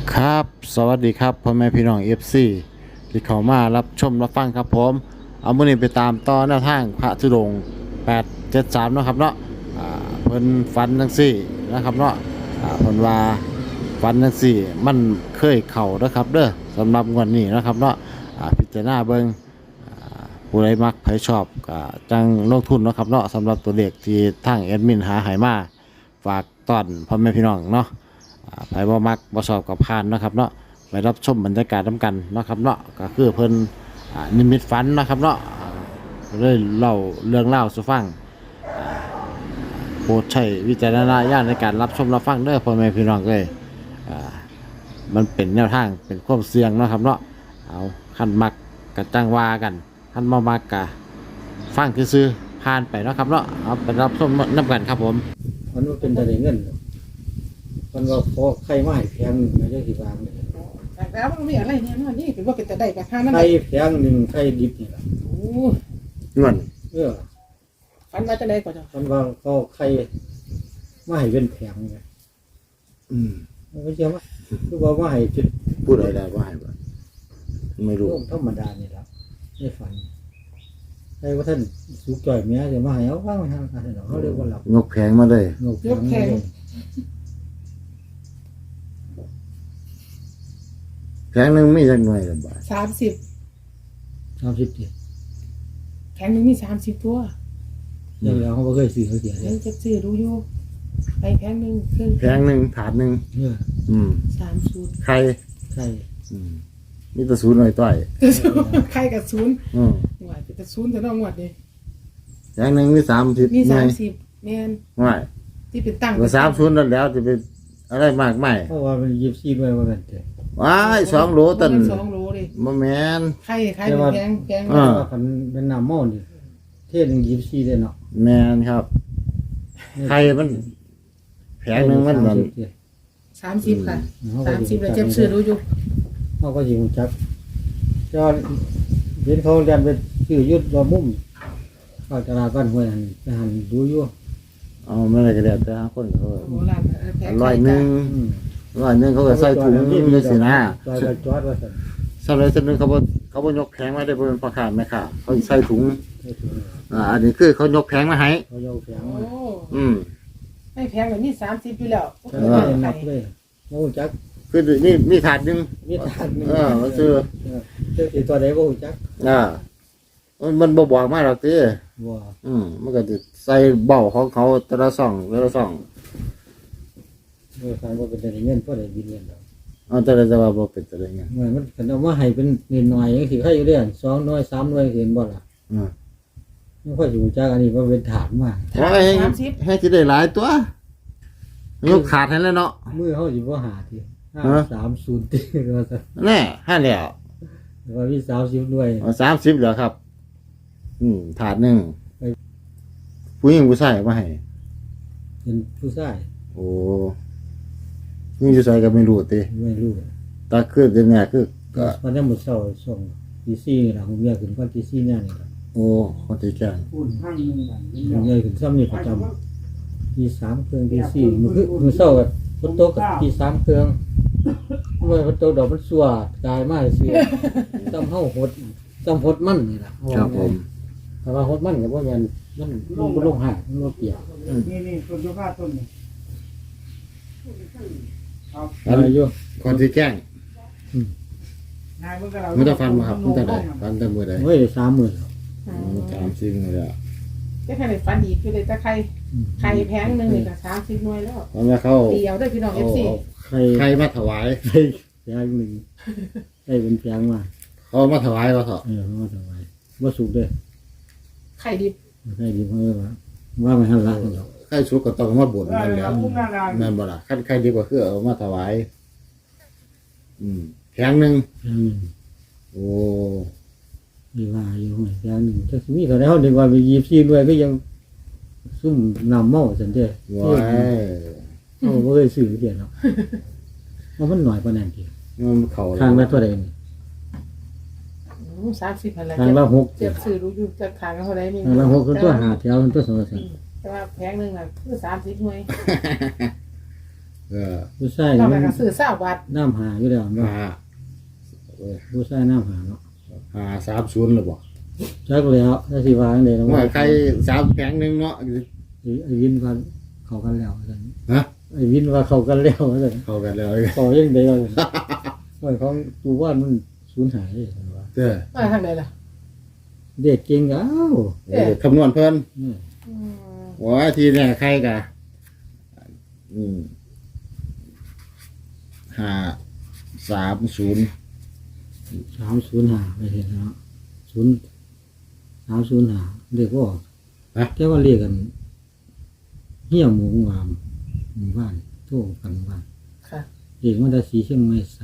ครับสวัสดีครับพ่อแม่พี่น้องFCที่เข้ามารับชมรับฟังครับผมเอามื้อนี้ไปตามต่อแนวทางพระธุดงค์873เนาะครับเนาะเพิ่นฝันจังซี่นะครับเนาะเพิ่นว่าฝันจังซี่มันเคยเข้าเด้อครับเด้อสำหรับงวดนี้นะครับเนาะพิจารณาเบิ่งผู้ใดมักใครชอบก็จังลงทุนเนาะครับเนาะสำหรับตัวเลขที่ทางแอดมินหาให้มาฝากต้อนพ่อแม่พี่น้องเนาะไปบ่มักบ่ชอบกับพานนะครับเนาะไปรับชมบรรยากาศนำกันเนาะครับเนาะก็คือเพิ่นนิมิตฝันนะครับเนาะเลยเล่าเรื่องเล่าสู่ฟังโปรดใช้วิจารณญาณในการรับชมรับฟังเด้อพ่อแม่พี่น้องเอ้ยมันเป็นแนวทางเป็นความเสี่ยงเนาะครับเนาะเอาคันมักกะจังว่ากันคันบ่มักกะฟังซื่อๆผ่านไปเนาะครับเนาะเอาไปรับชมนำกันครับผมมันว่าเป็นแต่เงินมันว่าพอใครมาให้แพงหนึ่งไม่ได้กี่บาทเลยแล้วมันมีอะไรเนี่ยนี่ถือว่าเป็นแต่ได้กับข้านั่นใครแพงหนึ่งใครดิบนี่แหละโอ้เงินฟันมาจะได้ก่อนจ้ะมันว่าเขาใครมาให้เป็นแพงไงมันไม่ใช่ว่าคือว่ามาให้จุดพูดอะไรได้ว่าให้บ่ไม่รู้ธรรมดานี่แหละไม่ฝันใครว่าท่านสุกจ่อยเมียจะมาให้เอาว่างไปทางการเขาเรียกว่าหลับยกแพงมาเลยยกแพงแพงหนึงมีจักหน่วยละบาท 30 30 แข็งหนึ่งมี30ตัวเดี๋ยวเขาไม่เคยซื้อเขาเสียเลเดี๋ยยวจะซื้อรู้อยู่ไปแข็งหนึ่งเครื่องแพงหนึงถาดหนึงเนี่ย 30 ใครใครมีแต่ศูนย์หน่อยต้อยใครกับศูนย์อืมหน่วยเป็นแต่ศูนย์แต่น้องหวัดนี่แพงหนึงมี30 มีหน่วย 30แม่นไม่ที่เป็นตั้งว่า30นั่นแล้วจะเป็นอะไรมากมายเพราะว่ามัน24ด้วยว่ากันเถอะว้าย2โลตัน 2 โลเลยบ่แม่นใครแพงอ่าว่ามันเป็นน้ำเมานี่เทศหนึ่ง24ได้เนาะแม่นครับใครมันแพงหนึงมันนั่น 30ค่ะ30แล้วเจ็บซื้อรู้อยู่เขาก็ยิงจับจอเห็นเขาเรียนเป็นชื่อยุดรอมุ่มเข้าตลาดบ้านห้วยหันไปหันดูอยู่เอาไม่ได้ก็แล้วแต่คนเขาโบราณแพงร้อยหนึงเขาก็ใส่ถุงจังซี่นะจอดจอดว่าสั่นสำหรับนึงเขาบ่ยกแพงมาได้บ่เป็นพ่อค้าแม่ค้าเขาใส่ถุงให้ถึงอันนี้คือเขายกแพงมาให้เขาโยกแฝงโอ้มาให้แพงแบบนี้30อยู่แล้วก็เลยนับเลยโมูจักคือนี่มีถาดหนึงมีทานหนึ่งมันซื้อเจ้าตัวไหนโมูจักมันบ่บอกมาหรอกติบัวมันก็สิใส่เบ้าของเขาแต่ละซ่องเมื่อการว่าเป็นแต่เงินก็ได้บินเงินดอกแต่ละจะว่าบ่เป็นอะไรเงี้ยเหมือนมันกันเอามาให้เป็นเงินหน่อยยังสิใครอยู่เรื่อย2 หน่วย 3 หน่วยเห็นบ่ล่ะไม่ค่อยอยู่จักอันนี้มันเป็นฐานมากโอ้ยให้สิได้หลายตัวยกขาดให้แล้วเนาะมือเขาสิบ่หาทีฮะ 530ตีว่าซั่นแน่ให้แล้วว่ามี30หน่วย 30เหรอครับถาดหนึงผู้หญิงผู้ชายมาให้เป็นผู้ชายโอ้นี่อยู่ใส่ก็ไม่รู้ติไม่รู้ตาคือเป็นเนี่ยคือก็วันนี้หมดเช้าส่งตี4นี่ล่ะผมเมียขึ้นก่อนตี4เนี่ยนี่ล่ะโอ้คนที่แจ้งผมเมียขึ้นซ้ำนี่ประจำตี3เครื่องตี4มื้อเช้าก็ฝนตกก็ตี3เครื่องเมื่อฝนตกดอกมันสั่วกายมาเสียซ้ำเฮาหดมันนี่ล่ะครับผมแต่ว่าหดมันก็บ่แม่นมันบ่ลงหามันบ่เปียกนี่ต้นยูคาต้นนี่อะไรอยู่คนที่แจ้งนายเมื่อเรามันจะฟันมาครับมันจะได้ฟันแต่มือใดเฮ้ย30,000 30นี่แหละจะแค่ไหนฟันอีกคือเลยแต่ไข่แพงหนึ่งนี่ก็30 หน่วยแล้วเพราะว่าเขาเดียวได้พี่น้องเอา FC ใครใครมาถวายแพงหนึ่งได้เป็นแพงมาเขามาถวายเขาเถอะว่าทำไมว่าสุกด้วยไข่ดิบใครดีเพราะว่าไม่ให้รักหรอกใครสุกก็ต้องมาบ่นนั่นแหล้วนั่นบ่ล่ะใครดีกว่าคือเอามาถวายแพงหนึงโอ้มีว่าอยู่ไหมแพงหนึ่งถ้ามีเขาได้เขาดึงว่าไป24ด้วยก็ยังซุ่มนำเมาสันเดียว้ายเขาไม่เคยซื้อเดียวเนาะมันหน่อยกว่านั้นทีมันเขาทางละเท่าไหร่นี่ 30พันละทางละ6 เจ็บสื่อรู้อยู่จะขายกันเท่าไรนี่ทางละ6ตัว5แถวตัว2 แต่ว่าแพงหนึ่งน่ะคือ30 หน่วยผู้ชายเรานี่ไปมันก็ซื้อเศร้าบาทน้ำหาอยู่แล้วเนาะหาผู้ชายน้ำหาเนาะหา30เลยบ่จักแล้วถ้าสิวางเลยนะว่าใคร3แผงนึงเนาะไอ้วินว่าเข้ากันแล้วซั่นฮะไอ้วินว่าเข้ากันแล้วซั่นเข้ากันแล้วเข้ายังได้ว่าซั่นว่าของตูว่านมันสูญหายเลยซั่นว่าเด้อมาทางไหนล่ะเด็กเก่งอ้าวคำนวณเพิ่นอืมว่าทีเนี่ยใครกะ530 305ไม่เห็นเนาะ305เรียกว่าแต่ว่าเรียกกันเหี้ยหมูงามหมู่บ้านโทรกันบ้านค่ะเรียกว่าได้สีเชียงใหม่37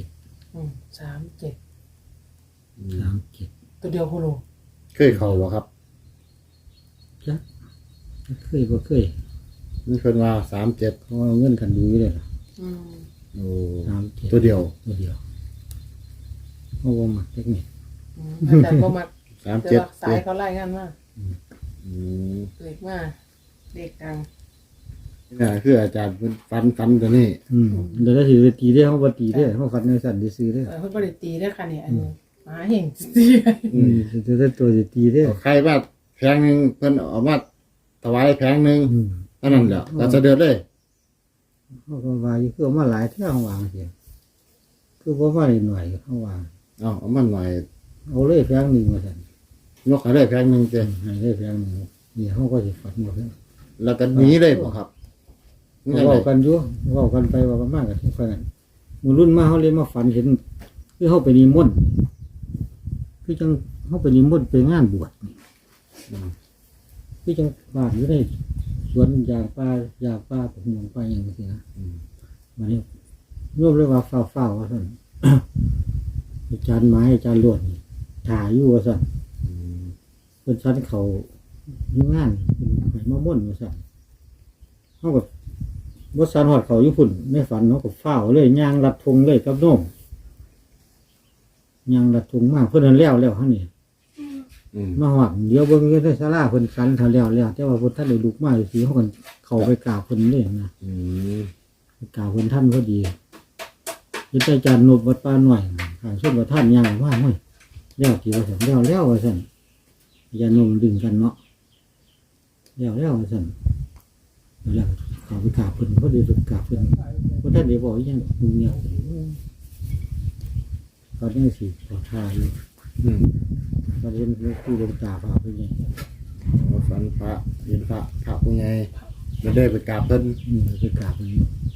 37 ตัวเดียวโคโลเคยเข้าบ่ครับจักเคยบ่เคยมันเพิ่นว่า37 เขาเอาเงินกันดูอยู่เลยล่ะโอ้ 37 ตัวเดียวตัวเดียวเขาบ่มักเทคนิคแต่บ่มักแต่ว่า 37 สายเขาไล่งานมาอืมเด็กมาเด็กดังนี่คืออาจารย์เพิ่นฟันตัวนี้เดี๋ยวได้สิไปตีได้เขาบ่ตีได้เขาฟันในสั่นได้ซื้อได้เพิ่นบ่ได้ตีได้อค่ะเนี่ยอันนี้หมาเห่งตีจะได้ตัวสิตีได้ใครว่าแผงหนึงเพิ่นเอามาถวายแผงหนึงเท่านั้นแหละก็จะเดือดเลยเขาก็ว่าอยู่คือเอามาหลายเท่าวางเสียคือบ่มาหน่อยเขาวางเอามันหน่อยเอาเลยแพงหนึงมาสั่นยกให้ได้แผงหนึงเจ้ให้ได้แพงหนึงนี่เขาก็สิฟันหมดแล้วแล้วก็หนีเลยบ่ครับนี่จังเว้าได๋กันอยู่เว้ากันไปเว่ากันมากกันทุกคนมื้อรุ่นมาเขาเลยมาฝันเห็นคือเขาไปนิมนต์คือจังเขาไปนิมนต์ไปงานบวชนี่คือจังบ้านอยู่ในสวนยางป่ปลูกป่าหยังซี่นะมานี่รวมเลยว่าฟ้าวว่าซั่น อาจารย์ไม้อาจารย์ลวดนี่ถ่ายอยู่ว่าซั่นเพิ่นชั้นเขาอยู่งานเพิ่นให้มาม่วนว่าซั่นเฮาก็บ่ซันฮอดเขาอยู่พุ่นในฝันเฮาก็ฟ้าวเลยย่างลัดธงเลยกับโน้มย่างลัดธงมาเพิ่นนั้นแล้วหั่นนี่ มาฮอดเดี๋ยวเบิ่งอยู่ในศาลาเพิ่นกันเท่าแล้วแต่ว่าเพิ่นท่านได้ลุกมาสิเฮากันเข้าไปกราบเพิ่นเลยนะกราบเพิ่นท่านพอดียิอาจารย์นบวัดป่าหน่อยข้างชนว่าท่านย่างว่าห้ยแล้วที่ว่าซั่นแล้วว่าซั่นอาจารย์นบดึงกันเนาะแล้วว่าซั่นแล้วเข้าไปกราบเพิ่นพอดีไปกราบเพิ่นบ่ท่านได้บอกอีหยังมึงเนี่ยเขาได้สิขอทานอยู่ประเด็นคือผู้ลงตาพาไปไงฝันพระเห็นพระผู้ใหญ่ไม่ได้ไปกราบเพิ่นไปกราบมัน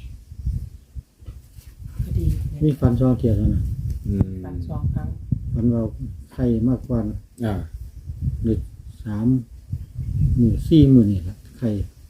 พอดีมีฟันซ้อนเทียนแล้วนะตัด2ครั้งฟันเราไข่มากกว่าอ่าหรือ3 มื้อ4 มื้อนี่แหละไข่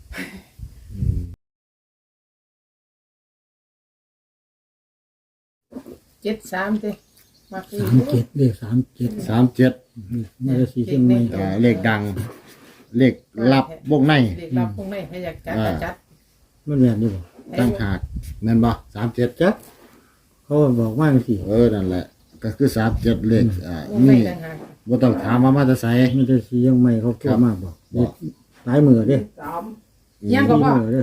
73เด้มักอี 37เลข37 37 มาได้สีเชียงใหม่เลขดัง เลขลับวงในเด็กรับพวกนี้ให้อยากจัดก็จัดมันแม่นอยู่บ่ตั้งหากนั่นบ่37 จักเขาบอกว่าจังซี่นั่นแหละ ก็คือ37เลขพวกนี้นี่ต่างหาก Ừ. บ่ต้องถามว่ามาจะไสมันได้สีเชียงใหม่เขาโทรมาบอกหลายมื้อเด้ยังก็ว่ามื้อเด้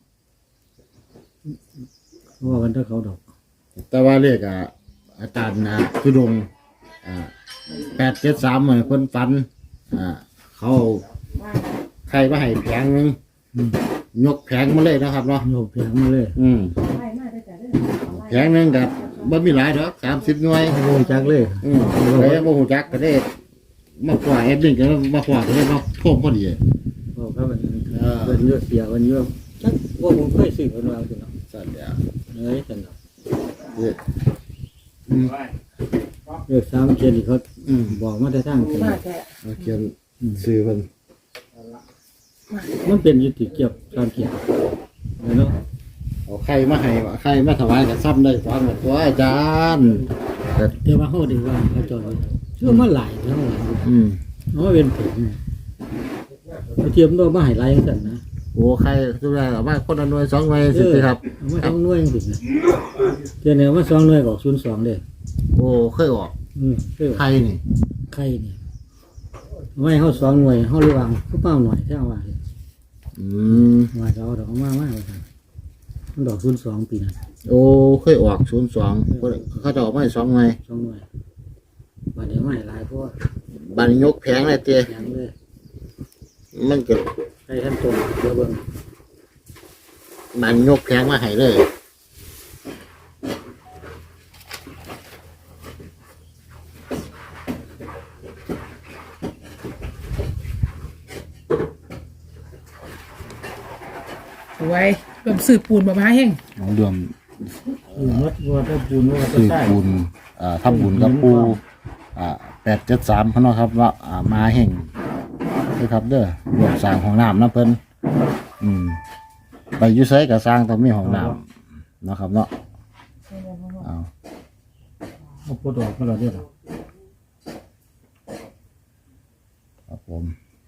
ว่ากันถ้าเขาดอกแต่ว่าเลขอาจารย์ทุดงค์873เหมือนเพิ่นฝันเขาใครมาให้แผงนึงยกแผงมาเลยนะครับเนาะโยกแพงมาเลยแผงนึงก็บ่มีหลายดอก30หน่วยโอ้จักเลยใครบ่ฮู้จักก็ได้มาขวาแอดมินก็มาขวาก็ได้เนาะโทมพอดีบอกครับมันเยอะเสียมันเยอะจักว่าผมเคยซื้อคนมาสิเนาะสั่นเดียวเฮ้ยจังเนาะเด้อเรื่อง3เขียนนี่เขาบอกมาแต่ทางกันมาแท้เอาเขียนซื้อเพิ่นมันเป็นยุติเกี่ยวกับ3เขียนเนาะเอาไข่มาให้ว่าไข่มาถวายก็ซ้ำได้ฟังหมดตัวอาจารย์แต่ว่าเขาได้ว่าเขาจอดเชื่อมาหลายแล้ว เขาเป็นผงเทียมด้วยมาให้หลายจังซั่นนะโอ้ไข่ทุกอย่างเอามาคนละหน่วย2หน่วยสิครับเอามา2หน่วยจังซี่นะเทียเนี่ยมา2หน่วยก็02เด้โอ้เคยออกคือไข่นี่ไข่นี่ไว้เฮา2หน่วยเฮาระวังคือเป้าหน่อยแท้ว่าอืมว่าจะเอาดอกมาว่าซั่นมันดอก02ปีนั้นโอ้เคยออก02เขาจะออกมาให้2หน่วย 2หน่วยบัดนี้ไม่หลายเพราะว่าบัดนี้ยกแผงเลยเตี้ยยังเลยมันก็ให้ท่านตรงเดี๋ยวเบิ่งบัดนี้ยกแผงมาให้เลยไว้รวมสืบปูนบ่มาแห้งรวมมัดว่าถ้าปูนว่าถ้าซื้อใต้บุญทำบุญกับปู873พ่อเนาะครับว่ามาแห่งด้วยครับเด้อรวมสร้างห้องน้ำนะเพิ่นไปอยู่ไสก็สร้างต้องมีห้องน้ำเนาะครับเนาะเอาเอาปลดออกมาแล้วเด้อครับผม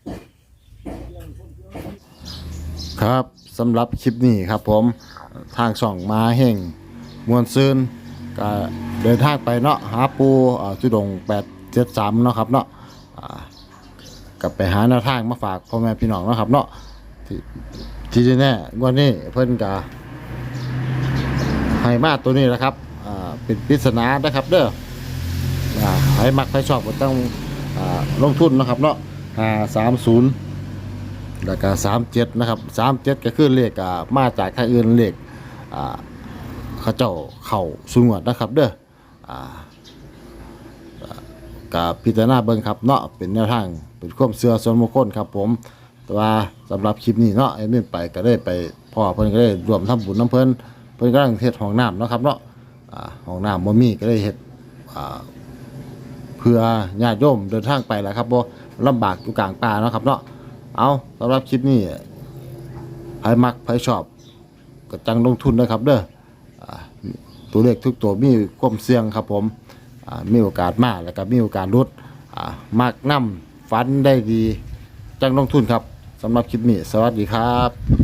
ครับสำหรับคลิปนี้ครับผมทางช่องมาแห่งมวลซืนก็เดินทางไปเนาะหาปูจุดง873เนาะครับเนาะกลับไปหาแนวทางมาฝากพ่อแม่พี่น้องเนาะครับเนาะที่แน่วันนี้เพิ่นก็ให้มาตัวนี้แหละครับเป็นปริศนานะครับเด้อให้มักให้ชอบก็ต้องลงทุนนะครับเนาะ530แล้วก็37นะครับ37ก็คือเลขมาจากทางอื่นเลขเขาเจ้าเข้าสูงวดนะครับเด้อกับพิจารณาเบิ่งครับเนาะเป็นแนวทางเป็นความเชื่อส่วนบุคคลครับผมแต่ว่าสำหรับคลิปนี้เนาะไอ้นี่ไปก็ได้ไปพ่อเพิ่นก็ได้รวมทำบุญน้ำเพิ่นกำลังเฮ็ดห้องน้ำเนาะครับเนาะห้องน้ำบ่มีก็ได้เฮ็ดเพื่อญาติโยมเดินทางไปแหละครับบ่ลำบากอยู่กลางป่าเนาะครับเนาะเอาสำหรับคลิปนี้ใครมักใครชอบก็จังลงทุนนะครับเด้อตัวเลขทุกตัวมีความเสี่ยงครับผมมีโอกาสมากแล้วก็มีโอกาสลดมักนำฟันได้ดีจังลงทุนครับสำหรับคลิปนี้สวัสดีครับ